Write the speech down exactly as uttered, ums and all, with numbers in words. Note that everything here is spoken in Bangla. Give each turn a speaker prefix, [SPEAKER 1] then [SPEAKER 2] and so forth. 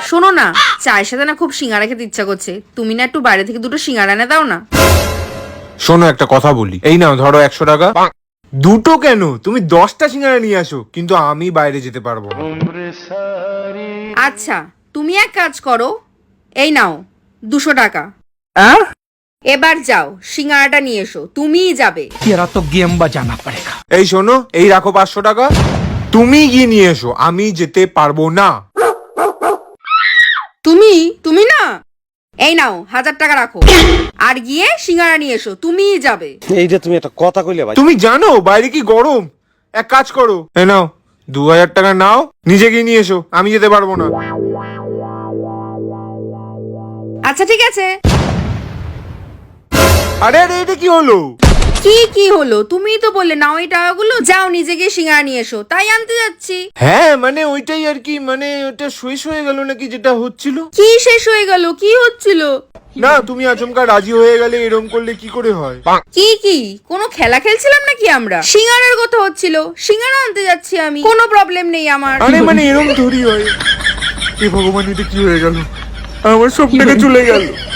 [SPEAKER 1] শোনো না, চায়ের সাথে না খুব সিঙ্গারা খেতে ইচ্ছা করছে, তুমি না একটু বাইরে থেকে দুটো সিঙ্গারা এনে দাও না।
[SPEAKER 2] শোনো একটা কথা বলি, এই নাও ধরো একশো টাকা। দুটো কেন, তুমি দশটা সিঙ্গারা নিয়ে আসো, কিন্তু আমি বাইরে যেতে পারবো না।
[SPEAKER 1] আচ্ছা তুমি এক কাজ করো, এই নাও দুশো টাকা। এবার যাও সিঙ্গারাটা নিয়ে এসো, তুমিই যাবে।
[SPEAKER 3] तेरा तो गेम बजाना पड़ेगा।
[SPEAKER 2] এই শোনো, এই রাখো পাঁচশো টাকা, তুমি গিয়ে নিয়ে এসো, আমি যেতে পারবো না।
[SPEAKER 1] তুমি তুমি না, এই নাও হাজার টাকা রাখো, আর গিয়ে সিঙ্গারা নিয়ে এসো, তুমিই যাবে।
[SPEAKER 4] এইটা তুমি একটা কথা কইলে ভাই।
[SPEAKER 2] তুমি জানো বাইরে কি গরম, এক কাজ করো, এই নাও দু হাজার টাকা নাও, নিজে গিয়ে নিয়ে এসো, আমি যেতে পারবো না।
[SPEAKER 1] আচ্ছা ঠিক আছে।
[SPEAKER 2] আরে আরে এটা কি হলো?
[SPEAKER 1] কি কি হলো, তুমিই তো বললে নাও এই টাকাগুলো, যাও নিজে গিয়ে সিঙ্গারা নিয়ে এসো, তাই আনতে যাচ্ছি।
[SPEAKER 2] হ্যাঁ মানে ওইটাই আর কি, মানে ওটা শেষ হয়ে গেল নাকি যেটা হচ্ছিল।
[SPEAKER 1] কি শেষ হয়ে গেল, কি হচ্ছিল?
[SPEAKER 2] না তুমি আচমকা রাজি হয়ে গেলে, এরকম করলে কি করে হয়?
[SPEAKER 1] কি কি কোনো খেলা খেলছিলাম নাকি আমরা? সিঙ্গারার কথা হচ্ছিল, সিঙ্গারা আনতে যাচ্ছি আমি, কোনো প্রবলেম নেই আমার।
[SPEAKER 2] আরে মানে এরকম থোড়ি হয়। এ ভগবান, এটা কি হয়ে গেল, আমার সব টাকা চলে গেল।